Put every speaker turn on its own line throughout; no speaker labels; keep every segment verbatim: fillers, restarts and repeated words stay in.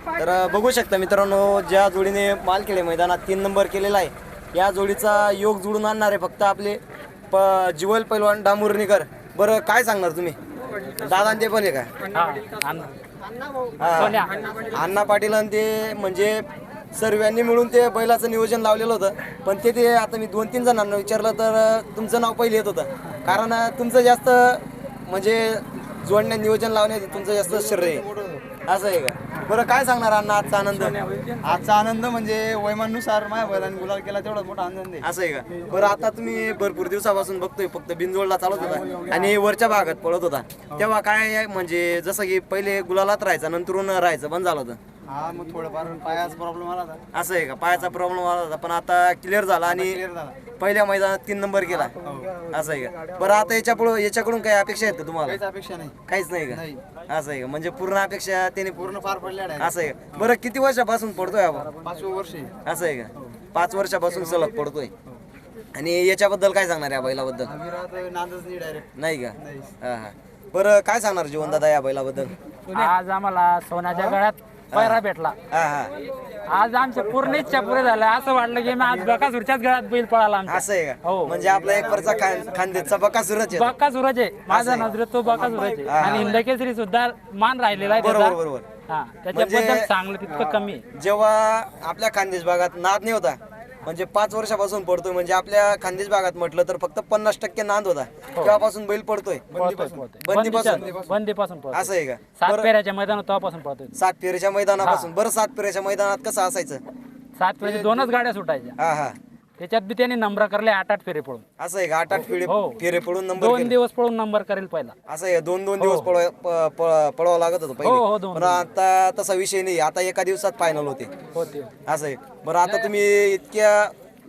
तर बघू शकता मित्रांनो, ज्या जोडीने मालखेडे मैदानात तीन नंबर केलेला आहे, या जोडीचा योग जुळून आणणार आहे फक्त आपले प जिवल पैलवान डांबुर्णीकर. बरं काय सांगणार तुम्ही? दादा ते पण आहे का? हा, अण्णा पाटील आणि ते म्हणजे सर्वांनी मिळून ते बैलाचं नियोजन लावलेलं होतं. पण ते ते आता मी दोन तीन जणांना विचारलं तर तुमचं नाव पहिले येत होतं, कारण तुमचं जास्त म्हणजे जोडण्या नियोजन लावण्यात तुमचं जास्त श्रेय असं आहे का? बरं काय सांगणार अण्णा आजचा आनंद?
आजचा आनंद म्हणजे वैमानुसार माझ्या बैलांनी गुलाल केला तेवढा मोठा आनंद आहे.
असं आहे का? बरं आता तुम्ही भरपूर दिवसापासून बघतोय फक्त बिनजोडला चालत होता आणि वरच्या भागात पळत होता, तेव्हा काय म्हणजे जसं की पहिले गुलालात राहायचा नंतरून राहायचं बंद झालं होतं?
हा, मग थोडंफार पायाचा प्रॉब्लेम आला होता.
असं आहे का? पायाचा प्रॉब्लेम आला होता पण आता क्लिअर झाला आणि पहिल्या मैदानात तीन नंबर केला. असं आहे का? बरं आता याच्या पुढे याच्याकडून काही अपेक्षा आहेत का तुम्हाला?
काहीच अपेक्षा नाही.
काहीच नाही का? असं आहे का? म्हणजे पूर्ण अपेक्षा त्याने
पूर्ण पार पडल्या आहे.
असं आहे का? बरं किती वर्षापासून पडतोय आपण?
पाचवं वर्ष आहे.
असं आहे का? पाच वर्षापासून सलग पडतोय. आणि याच्याबद्दल काय सांगणार या बैलाबद्दल?
अविरात नांदच नाही डायरेक्ट.
नाही का? हा हा. बरं काय सांगणार जीवन दादा या बैलाबद्दल?
आज आम्हाला सोन्याच्या गळ्यात पैरा भेटला.
हा हा.
आज आमच्या पूर्ण इच्छा पुरे झाल्या. असं वाटलं की मी आज बकासुरच्याच गळ्यात बैल पळाला आमचा.
असं आहे का?
हो.
म्हणजे आपला एक परचा खानदेशचा बकासुरच आहे.
बकासुरच आहे माझा नजरेत, तो बकासुरच आहे. आणि हिंदकेसरी सुद्धा मान राहिलेला आहे
बरोबर
त्याचा.
बरोबर.
हा, त्याच्याबद्दल
म्हणजे-
चांगलं तितकं कमी आहे.
जेव्हा आपल्या खानदेश भागात नाद नाही होता, म्हणजे पाच वर्षापासून पडतोय, म्हणजे आपल्या खानदेश भागात म्हटलं तर फक्त पन्नास टक्के नाद होता, तेव्हापासून बैल पडतोय.
पळतोय, पळतोय.
बंदीपासून?
बंदीच्या- बंदीपासून पळतोय.
असं आहे का?
सात फेऱ्याच्या मैदानात तेव्हापासून पळतोय.
सात फेरीच्या मैदानापासून. बरं सात फेरीच्या मैदानात कसं असायचं?
सात फेऱ्याच्या दोनच गाड्या सुटायच्या.
हा हा.
त्याच्यात बी त्यांनी नंबर करले आठ आठ फेरे पळून.
असं आहे का? आठ आठ फेरे
हो.
फेरे पडून नंबर
दोन
केले.
दिवस पळून नंबर करेल पहिला.
असं आहे, दोन दोन दिवस पळवा प- प- पळवावं लागत होतं
हो,
पहिले.
हो, दोन-
पण आता तसा विषय नाही, आता एका दिवसात फायनल होते.
होते.
असं आहे. बरं आता तुम्ही इतक्या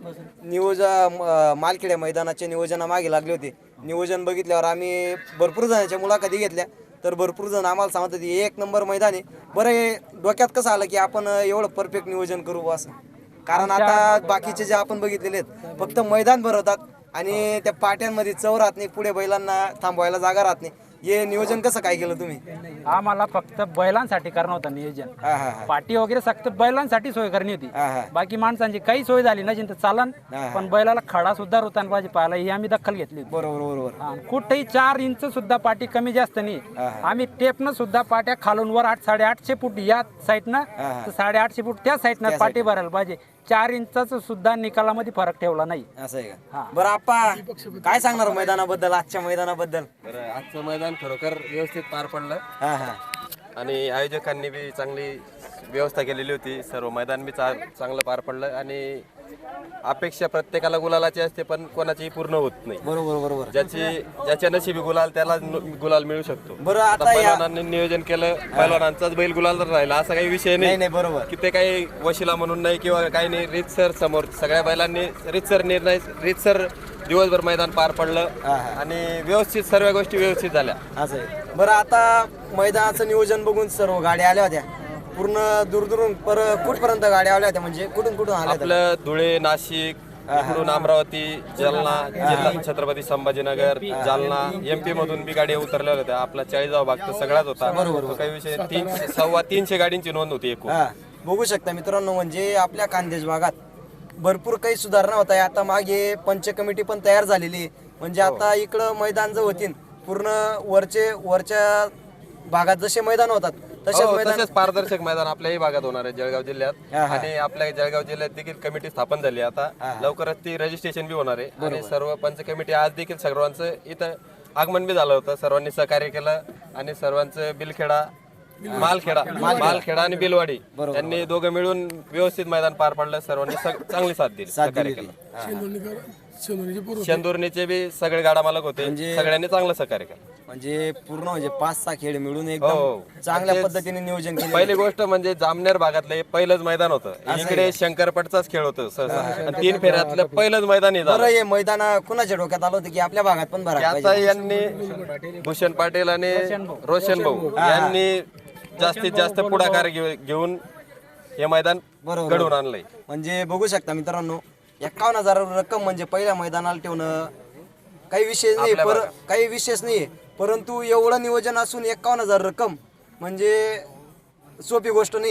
नियोजन मालखेड्या मैदानाच्या नियोजनामागे लागले होते, नियोजन बघितल्यावर आम्ही भरपूर जणांच्या मुलाखती घेतल्या, तर भरपूर जण आम्हाला सांगत होते एक नंबर मैदान आहे. बरं हे डोक्यात कसं आलं की आपण एवढं परफेक्ट नियोजन करू असं? कारण आता बाकीचे जे आपण बघितलेले आहेत फक्त मैदान भरवतात आणि त्या पाट्यांमध्ये चव राहत नाही, पुढे बैलांना थांबवायला जागा राहत नाही. हे नियोजन कसं काय केलं तुम्ही?
आम्हाला फक्त बैलांसाठी करणं होतं नियोजन.
हा हा हा.
पाटी वगैरे फक्त बैलांसाठी सोय करणी होती.
हा हा.
बाकी माणसांची काही सोय झाली नसेल तर चालन,
हा.
पण बैलाला खडा सुद्धा रुतान पाहिजे पाहायला, ही आम्ही दखल घेतली होती.
बरोबर बरोबर.
हा, कुठेही चार इंच सुद्धा पाटी कमी जास्त नाही.
हा.
आम्ही टेपनं सुद्धा पाट्या खालून वर आठ साडेआठशे फूट या साईडनं
हा.
तर साडेआठशे फूट त्या साईडनं
त्या
पाटी भरायला पाहिजे. चार इंचाचा सुद्धा निकालामध्ये फरक ठेवला नाही.
असं आहे
हा.
का? बरं आप्पा काय सांगणार मैदानाबद्दल, आजच्या मैदानाबद्दल?
बरं, आजचं मैदान खरोखर व्यवस्थित पार पडलं
हा हा.
आणि आयोजकांनी बी चांगली व्यवस्था केलेली होती. सर्व मैदान बी चा चांगलं पार पडलं आणि अपेक्षा प्रत्येकाला गुलालाची असते, पण कोणाची पूर्ण होत नाही.
बरोबर बरोबर.
ज्याची ज्याच्या नशिबी गुलाल त्याला नु- गुलाल मिळू शकतो.
बरं
आता
आता या
पैलवानांनी नियोजन केलं, पैलवानांचाच बैल गुलाल राहिला असा काही विषय
नाही
नाही
नाही बरोबर.
की ते काही वशिला म्हणून नाही किंवा काही नाही. रीतसर समोर सगळ्या बैलांनी रीतसर निर्णय रीतसर दिवसभर मैदान पार पडलं
हा, हा.
आणि व्यवस्थित सर्व गोष्टी व्यवस्थित झाल्या.
असं आहे. बरं आता मैदानाचं नियोजन बघून सर्व गाड्या आल्या होत्या, पूर्ण दूरदूरून पर कुठपर्यंत गाड्या आल्या होत्या, म्हणजे कुठून कुठून आल्या होत्या?
आपलं धुळे, नाशिक, इकडून अमरावती, जालना, जिल्हा छत्रपती संभाजीनगर, जालना, एमपी मधून बी गाड्या उतरल्या होत्या. आपला चाळीसगाव भाग तर सगळाच होता. तो काही विषय तीनशे सव्वा तीनशे गाडींची नोंद होती एकूण.
हा. बघू शकता मित्रांनो, म्हणजे आपल्या खानदेश भागात भरपूर काही सुधारणा होत आहे. आता मागे पंच कमिटी पण तयार झालेली आहे. म्हणजे आता इकडं मैदान जर होतील पूर्ण वरचे वरच्या भागात जसे मैदान होतात तसेच
हो,
मैदान
तसेच पारदर्शक मैदान आपल्याही भागात होणार आहे जळगाव जिल्ह्यात.
हा, हा.
आणि आपल्या जळगाव जिल्ह्यात देखील कमिटी स्थापन झाली आता. लवकरच ती रजिस्ट्रेशन बी होणार आहे आणि सर्व पंच कमिटी आज देखील सर्वांचं इथं आगमन बी झालं होतं. सर्वांनी सहकार्य केलं आणि सर्वांचं बिलखेडा मालखेडा मालखेडा आणि बिलवाडी त्यांनी दोघं मिळून व्यवस्थित मैदान पार पडलं. सर्वांनी सग- चांगली साथ दिली, सहकार्य केलं. शेंदुर्णीचे बी सगळे गाडा मालक होते, सगळ्यांनी चांगलं सहकार्य केलं.
म्हणजे पूर्ण म्हणजे पाच सहा खेळ मिळून
हो.
एकदम चांगल्या पद्धतीने नियोजन केलं.
पहिली गोष्ट म्हणजे जामनेर भागातलं हे पहिलंच मैदान होतं. इकडे शंकरपटचाच खेळ होतं सहसा आणि तीन फेऱ्यातलं पहिलंच मैदान हे झालं.
बरं हे मैदान कुणाच्या डोक्यात आलं होतं की आपल्या भागात पण भरायला
आता
पाहिजे?
यांनी भूषण पाटील आणि रोशन भाऊ यांनी जास्तीत जास्त पुढाकार घेऊ- घेऊन हे मैदान
बरोबर.
घडवून आणलंय.
म्हणजे बघू शकता मित्रांनो, एकावन्न हजार रक्कम म्हणजे पहिल्या मैदानाला ठेवणं काही विशेष नाही, पर काही विशेष नाही. परंतु एवढं नियोजन असून एकावन्न हजार रक्कम म्हणजे सोपी गोष्ट नाही.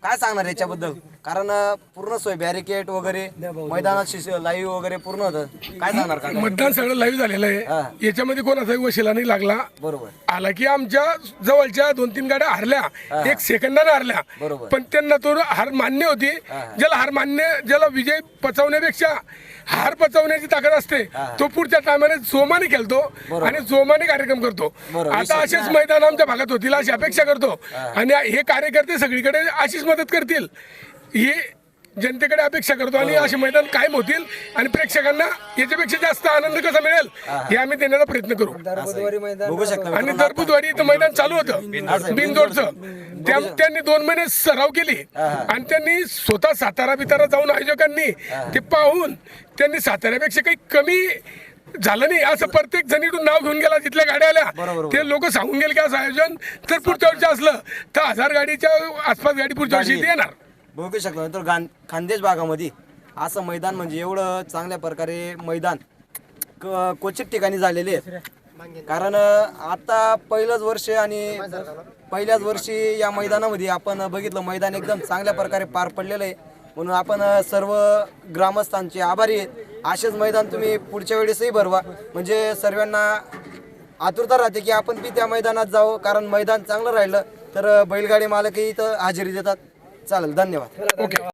काय सांगणार याच्याबद्दल? कारण अं, पूर्ण सोय बॅरिकेड वगैरे मैदानात लाईव्ह वगैरे पूर्ण होतं. काय सांगणार का?
मतदान सगळं लाईव्ह झालेलं आहे, याच्यामध्ये कोणाचाही वशिला नाही लागला.
बरोबर
आला की आमच्या जवळच्या दोन तीन गाड्या हरल्या, एक सेकंदाने हरल्या,
बरोबर.
पण त्यांना तो हार मान्य होती. ज्याला हार मान्य, ज्याला विजय पचवण्यापेक्षा हार पचवण्याची ताकद असते, तो पुढच्या टायमाने जोमाने खेळतो आणि जोमाने कार्यक्रम करतो.
बरोबर.
आता असेच मैदान आमच्या भागात होतील अशी अपेक्षा करतो आणि हे कार्यकर्ते सगळीकडे अशीच मदत करतील ही जनतेकडे अपेक्षा करतो आणि असे मैदान कायम होतील आणि प्रेक्षकांना याच्यापेक्षा जास्त आनंद कसा मिळेल हे आम्ही देण्याचा प्रयत्न करू.
बघू शकता
आणि दर बुधवारी इथं मैदान चालू होतं बिनजोडचं. त्या- त्यांनी दोन महिने सराव केली आणि त्यांनी स्वतः सातारा बितारा जाऊन आयोजकांनी ते पाहून त्यांनी साताऱ्यापेक्षा काही कमी झालं नाही असं प्रत्येक जणीतून नाव घेऊन गेला. जिथल्या गाड्या आल्या ते लोक सांगून गेले की असं आयोजन तर पुढच्या वर्षी असलं तर हजार गाडीच्या आसपास गाडी पुढच्या वर्षी इथे येणार.
बघू शकतो. नंतर गान खानदेश भागामध्ये असं मैदान म्हणजे एवढं चांगल्या प्रकारे मैदान क- क्वचित ठिकाणी झालेले आहेत. कारण अं, आता पहिलंच वर्ष आणि पहिल्याच वर्षी या मैदानामध्ये आपण बघितलं मैदान एकदम चांगल्या प्रकारे पार पडलेलं आहे. म्हणून आपण अं, सर्व ग्रामस्थांचे आभारी आहेत. असेच मैदान तुम्ही पुढच्या वेळेसही भरवा, म्हणजे सर्वांना आतुरता राहते की आपण बी त्या मैदानात जावं. कारण मैदान चांगलं राहिलं तर बैलगाडी मालकही इथं हजेरी देतात. चालेल, धन्यवाद.
ओके.